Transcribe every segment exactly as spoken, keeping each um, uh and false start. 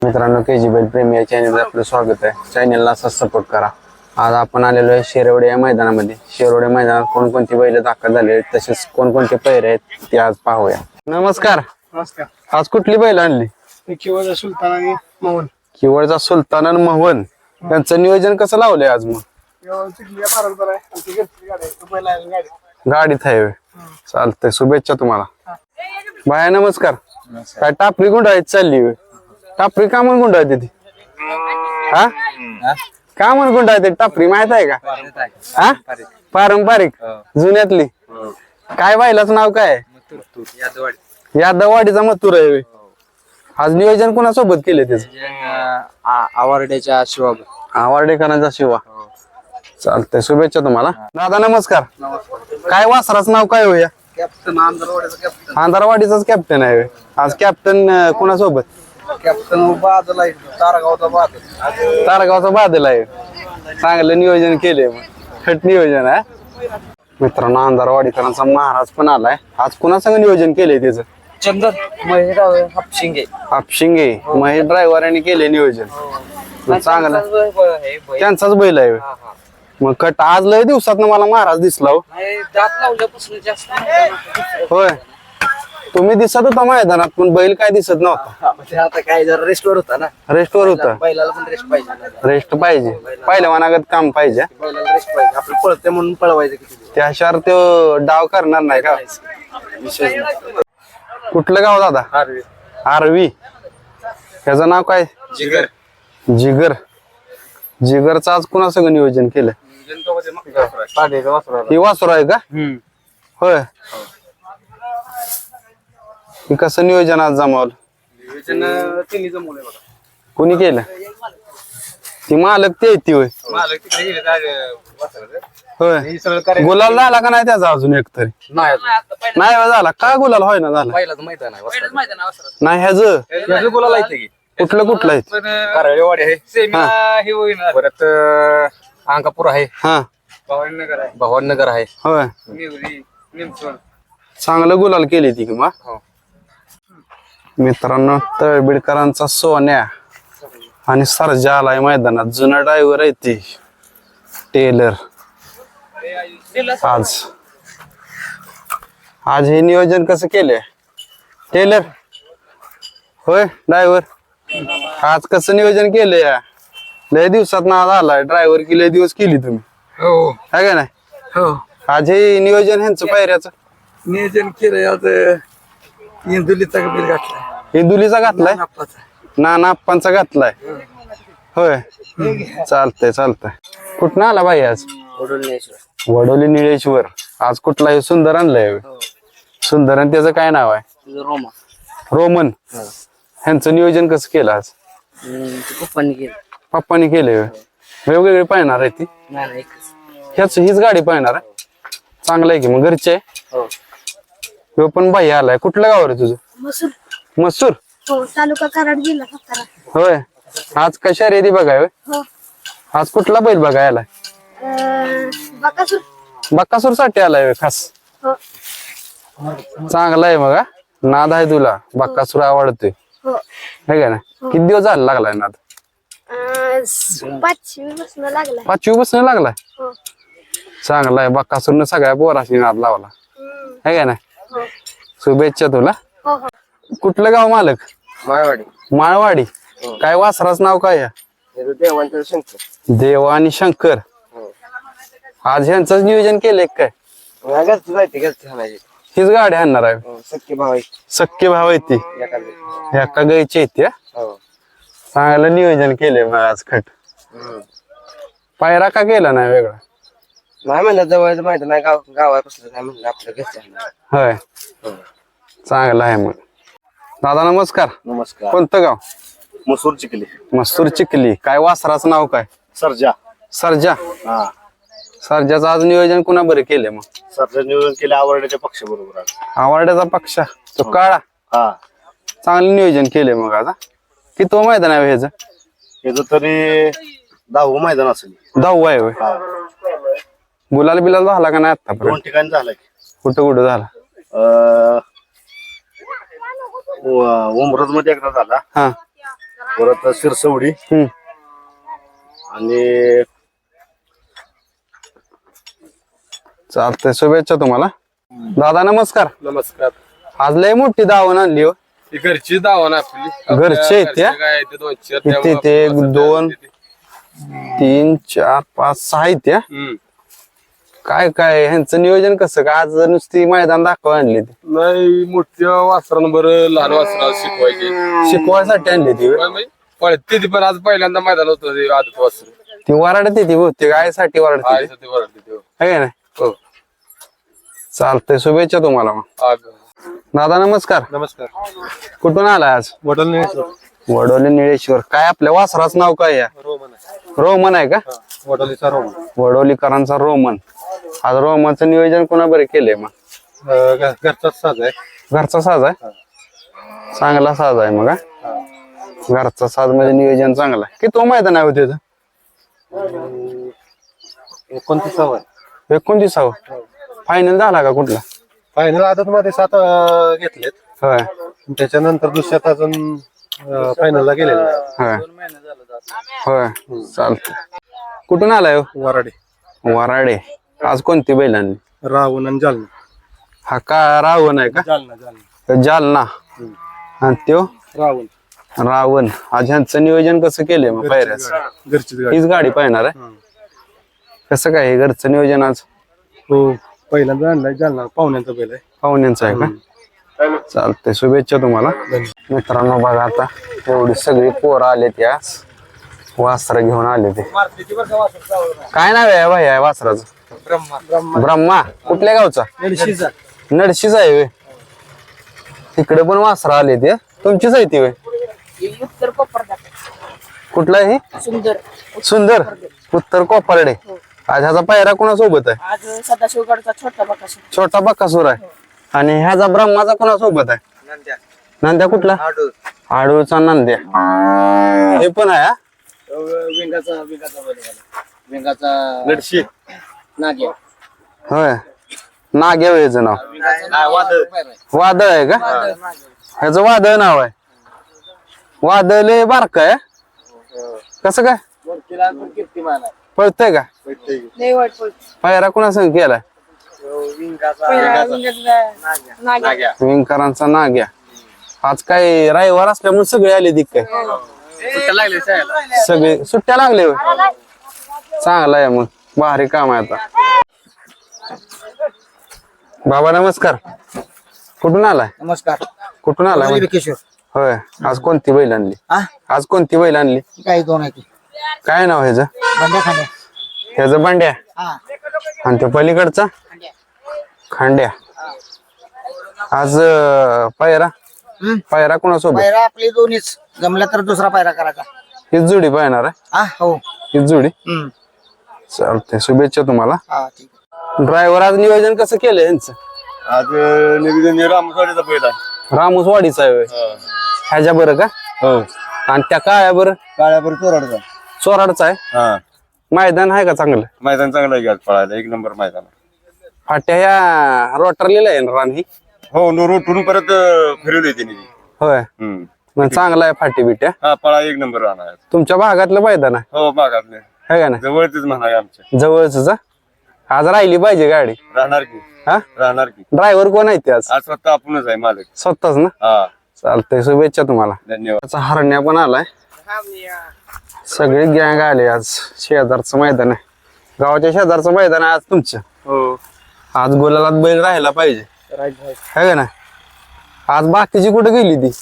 मित्रांनो, के जी बैल प्रेमी या चॅनलवर आपलं स्वागत आहे. चॅनलला असाच सपोर्ट करा. आज आपण आलेलो आहे शिरवडे या मैदानामध्ये. शिरवडे मैदानात कोणकोणती बैल दाखल झाले आहेत, तसेच कोणकोणते पैरे आहेत ते आज पाहूया. नमस्कार. नमस्कार. आज कुठली बैल आणली? किवळचा सुलतान आणि मोहन. किवळचा सुलतान आणि मोहन यांचं नियोजन कसं लावलंय आज? मग गाडीत आहे होय. चालतंय, शुभेच्छा तुम्हाला. बाया नमस्कार. काय टापरी गुंडाळीत चालली होय? टापरी का म्हणून गुंडाळते ती? हा का म्हणून गुंडाळते टापरी माहित आहे का? हा पारंपरिक जुन्यातली. काय बायलाच नाव काय? यादववाडीचा मथुर आहे होय. आज नियोजन कोणासोबत केले त्याचं? आवारड्याच्या शिवा. आवारडेकरांचा शिवा. चालतंय, शुभेच्छा तुम्हाला. दादा नमस्कार. काय वासराचं नाव काय होया? कॅप्टन आंधरवाड्याचा कॅप्टन. आंधारवाडीचाच कॅप्टन आहे होय. आज कॅप्टन कोणासोबत? कॅप्टन बादल आहे, तारगावचा बादल. तारगावचा बादल आहे. चांगलं नियोजन केलंय, खट नियोजन आहे. मित्रांनो, आंधारवाडीकरांचा महाराज पण आलाय. आज कुणासंग नियोजन केलंय त्याचं? चंदन महेश हापशिंगे. हापशिंगे महेश ड्रायव्हरांनी केले नियोजन. चांगलं त्यांचाच बैल आहे. मग कट आज लय दिवसात मला महाराज दिसला हो. दात लावल्यापासून जास्त. होय, तुम्ही दिसत होता मैदानात पण बैल काय दिसत नव्हता. आता काय जरा रेस्टवर होता ना. रेस्टवर होता. बैलाला पण रेस्ट पाहिजे. रेस्ट पाहिजे, पहिलवानागत काम पाहिजे. बैलाला रेस्ट पाहिजे. आपण पळते म्हणून पळवायचं किती. त्याशिवाय तो डाव करणार नाही का? कुठलं गाव दादा? आरवी. आरवी. त्याचं नाव काय? जिगर. जिगर. जिगरचं आज कुणासंग नियोजन केलं? ही वासुर आहे का? होय. ही कसं नियोजन आज जमावलं? तिन्ही जमवले बघा. कोणी केलं? ती मालक ते ती होय. होय. गुलाल झाला का नाही त्याचा अजून एक तरी? नाही हो झाला का? गुलाल होय ना झाला नाही ह्याच? गुलाल आहे कुठलं कुठलं आहे? कारळेवाडी आहे. सेमीला हे होईल. परत अंकापूर आहे. हा भवानीनगर आहे. भवानीनगर आहे. होय. निमसोड. चांगलं गुलाल केली ती की मग. हो. मित्रांनो, तळबीडकरांचा सोन्या आणि सरजा आलाय मैदानात. जुना ड्रायव्हर आहे ती टेलर. आज आज हे नियोजन कसं केलंय टेलर? होय ड्रायव्हर. आज कसं नियोजन केलंय? लय दिवसात ना आज आलाय ड्रायव्हर की लय दिवस केली तुम्ही, हो आहे का नाही? हो. आज हे नियोजन ह्यांचं पायऱ्याचं नियोजन केलंय. आज इंदुलीचा बिल घातलाय. इंदुलीचा घातलाय, नाना आप्पांचा घातलाय. होय. चालतंय चालतंय. कुठं आला बाई आज? वडोली निळेश्वर. आज कुठला हे सुंदर आणलंय? सुंदर. आणि त्याचं काय नाव आहे? रोमा. रोमन. ह्यांचं नियोजन कसं केलं आज? पप्पांनी केलं. पप्पानी केलंय. वेगवेगळी पाहणार आहे ती? ह्याच हीच गाडी पाहणार आहे. चांगलं आहे की मग. घरचे आहे? हो. पण बाई आलाय. कुठलं गाव रे तुझं? मसूर. मसूर. हो, तालुका कराड, जिल्हा सातारा. होय. आज कशा रेदी बघाय? हो. आज कुठला बैल बघाय आलाय? अं, बकासूर. बक्कासूर साठी आलाय होय खास? हो. चांगला आहे मग. नाद आहे तुला? बक्कासूर आवडतोय, हो. है का ना? किती दिवस झाला लागलाय नाद? अं, पाचवी बसणं लागला. पाचवी बसणं लागलाय. हो. चांगला आहे. बक्कासूरनं सगळ्या पोराशी नाद लावला, हम्म. है का ना? हो. शुभेच्छा तुला. हो हो. कुठलं गाव मालक? माळवाडी. माळवाडी. काय वासराच नाव काय? देवांचं शंकर. देव आणि शंकर. आज ह्यांच नियोजन केलंय काय? घरचं जायचे. घरचं घालायचे. हीच गाडी आणणार आहे? सख्खे भाव आहे. सख्खे भाव आहे ती. एका गायची येते. चांगलं नियोजन केलंय मग आज. खट पायरा का केला नाही वेगळा? नाही म्हणलं जवळचं माहिती नाही. गाव गावापासून काय म्हणलं आपलं घरचं. होय. चांगलं आहे मग. दादा नमस्कार. नमस्कार. कोणतं गाव? मसूर चिखली. मस्तूर चिखली. काय वासराचं नाव काय? सर्जा. सरजा. हा. सरजाचं आज नियोजन कुणा बरं केलंय मग? सर्जा नियोजन केले आवडण्याच्या पक्ष बरोबर. आवड्याचा पक्ष तो काळा. हा. चांगलं नियोजन केलंय मग आज. किती तो मैदान आहे ह्याचं? याच तरी दहावं मैदान असेल. दहावं आहे होय. गुलाल बिलाल झाला का नाही दोन आतापर्यंत? ठिकाणी झालं की. कुठं कुठं झाला? उमरज मध्ये एकदा झाला. हा. परत शिरसवडी हम्म. आणि चालतंय शुभेच्छा तुम्हाला. दादा नमस्कार. नमस्कार. आज लय मोठी दावण आणली हो. ही घरची दावण आपली. घरचे आहेत त्या? काय आहे ते दोन चार किती त्यामुळं ते? आपलं असं दोन? ते- तीन चार पाच सहा आहेत त्या. हम्म. काय काय ह्यांचं नियोजन कसं का? आज नुसती मैदान दाखवा आणली ती नाही मोठ्या वासरांवर लहान वासरा शिकवायचे शिकवायसाठी आणली ती होय? पळते ती पण आज पहिल्यांदा मैदान होतं ते आदत वासर ती वराडते ती बहुतेक आईसाठी वराडते ती. ते वरडते ते. है का नाही? हो. चालतंय शुभेच्छा तुम्हाला मग. आ- दादा नमस्कार. नमस्कार. कुठून आलाय आज? वडल वडोली निळेश्वर. काय आपल्या वासराचं नाव काय या? रोमन आहे का? वडोलीचा रोम वडोलीकरांचा रोमन. आज रोमनचं नियोजन कोणा बरे केलंय मग? घरचाच साज आहे. घरचा साज आहे. चांगला साज आहे मग हा? घरचा साज म्हणजे नियोजन चांगलं आहे. किती मैदान आहे होते एकोणतीसावं आहे. एकोणतीसावं फायनल झाला का कुठला? फायनल आदत मध्ये सात घेतलेत. होय त्याच्यानंतर दुसऱ्यात अजून फायनलला गेलेले होय होय चालत. कुठून आलाय हो? वराडे वराडे. आज कोणती बैल आणली? रावण आणि जालना. हा का रावण आहे का? जालना जालना जालना. आणि त्यो रावण रावण. आज ह्यांचं नियोजन कसं केलंय मग पायऱ्याच? घरचीच गाडी. हीच गाडी पाहणार आहे. कसं काय हे घरचं नियोजन आज? हो पहिल्यांदा आणलाय जालना पाहुण्यांचा बैल आहे. पाहुण्यांचं आहे का? चालतंय शुभेच्छा तुम्हाला. मित्रांनो बघा आता एवढी सगळी पोरं आले त्या वासर घेऊन आले ते. काय नाव आहे भाई वासराचं? ब्रह्मा. कुठल्या गावचा? नडशीच आहे व्हय. तिकडे पण वासरा आले ते. तुमचीच आहे ती व्हय? कुठला आहे? सुंदर सुंदर. उत्तर कोपर्डे. आज ह्याचा पायरा कोणासोबत आहे? आज सदाशिवगडचा छोटा बकासूर. छोटा बक्कासूर आहे. आणि ह्याचा ब्रह्माचा कोणासोबत आहे? नंद्या कुठला? आडूळचा नंद्या. हे पण आहे हा? नडशी नाग्या. होय नाग्या ह्याचं नाव. वादळ आहे का? ह्याचं वादळ नाव आहे. वादळ लय बारक आहे. कसं काय पळतय का? लय वाईट पळतो. पायरा कोणा संग केलाय? पहिला विंगाचा नाग्या. विंकरांचा नाग्या. आज काय रविवार असल्यामुळे सगळे आले ती काय? सगळे सुट्ट्या लागले होय. चांगला आहे मग. भारी काम आहे आता. बाबा नमस्कार. कुठून आलाय? नमस्कार. कुठून आलाय? किशोर. होय. आज कोणती बैल आणली? आज कोणती बैल आणली? काही दोन आहे. काय नाव ह्याचं? बंड्या खांड्या. ह्याचं बंड्या. हा आणि तो पलीकडचा खांड्या. आज अं, पायरा पायरा कोणासोबत? पायरा आपली दोन्हीच जमला तर दुसरा पायरा करायचा. हीच जोडी पाहणार आहे. हा हो. हीच जोडी. हम्म. चालतंय शुभेच्छा तुम्हाला. हा ठीक. ड्रायव्हर आज नियोजन कसं केलं यांचं? आज निवेदन रामसाडीचा पहिला रामूसवाडीचा आहे होय. ह्याच्या बरं का? हो आणि त्या काळ्या बरं काळ्यावर चोराडचा. चोराडचा आहे. हा मैदान आहे का चांगलं? मैदान चांगलं आहे आज पळायला. एक नंबर मैदान. फाट्या ह्या रोटरलेला आहे ना रान ही? हो नो रोटून परत फिरवली तिने. होय हम्म मग चांगला आहे फाटी बिट्या. हा पळा एक नंबर राहणार. तुमच्या भागातलं मैदान आहे हो भागातले है का नाही? जवळच म्हणा आमच्या. जवळच आज राहिली पाहिजे गाडी. राहणार की हा राहणार की. ड्रायव्हर कोण आहे ते आज? आज स्वतः आपणच आहे मालक. स्वतःच ना? हा चालतंय शुभेच्छा तुम्हाला. धन्यवाद. त्याचा हरण्या पण आलाय. सगळे गँग आले आज. शेजारचं मैदान आहे. गावाच्या शेजारचं मैदान आहे आज तुमचं. हो आज गोलालात बैल राहायला पाहिजे है का नाही? आज बाकीची कुठे गेली ती?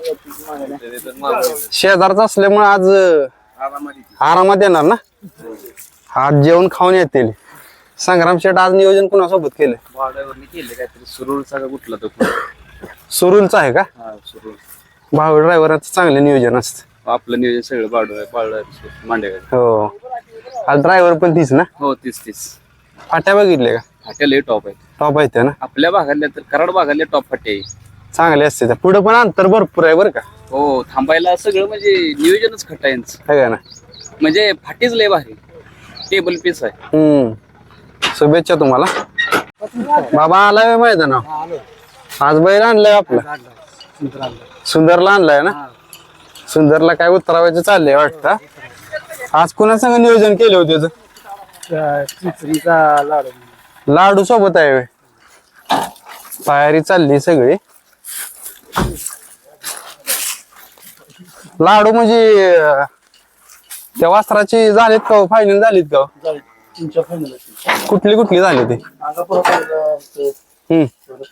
शेजारचं असल्यामुळे आज आरामात येणार ना? आज जेवण खाऊन येतील. संग्राम शेठ आज नियोजन कुणासोबत केलं? केले काहीतरी सुरूचा का कुठला तो सुरुलचा आहे का? भाऊ ड्रायव्हरांचं चांगलं नियोजन असतं. आपलं नियोजन सगळं बाळू बाळू मांडे. हो आज ड्रायव्हर पण तीच ना? हो तीस तीस फाट्या बघितले का? फाट्या लय टॉप आहेत. टॉप आहेत त्या ना? आपल्या भागातल्या तर कराड भागातल्या टॉप फाटे आहे. चांगले असते त्या. पुढे पण अंतर भरपूर आहे बरं का? हो थांबायला सगळं म्हणजे नियोजनच खट्टा यांचं. है का ना? म्हणजे फाटीच लय भारी. टेबल पीस आहे. हम्म शुभेच्छा तुम्हाला. बाबा आलाय मैदानावर. आज बैल आणलाय आपला सुंदरला आणलाय ना? सुंदरला काय उतरावायचं चाललंय वाटतं. आज कुणा संग नियोजन केलं होतं त्याचं? लाडू सोबत आहे व्हय. तयारी चालली सगळी. लाडू म्हणजे अं, त्या वासराची झालीत का फायनल झालीत का? कुठली कुठली झाली ती? हम्म.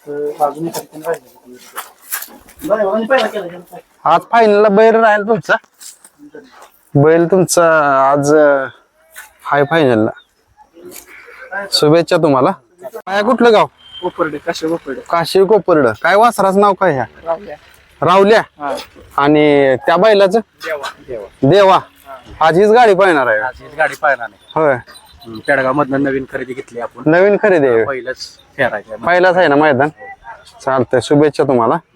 आज फायनलला बैल राहील तुमचा. बैल तुमचा आज अं, हाय फायनलला. शुभेच्छा तुम्हाला. काय कुठलं गाव? कोपर्डे काशी कोपर्डे काशी कोपर्ड. काय वासराचं नाव काय ह्या? रावल्या. आणि त्या बैलाचं देवा. आज हीच गाडी पाहणार आहे. गाडी पाहिला नाही. होय, पेडगाव मधनं नवीन खरेदी घेतली आपण. नवीन खरेदी आहे. पहिलंच फेरायचं पहिलाच आहे ना मैदान. चालतंय, शुभेच्छा तुम्हाला.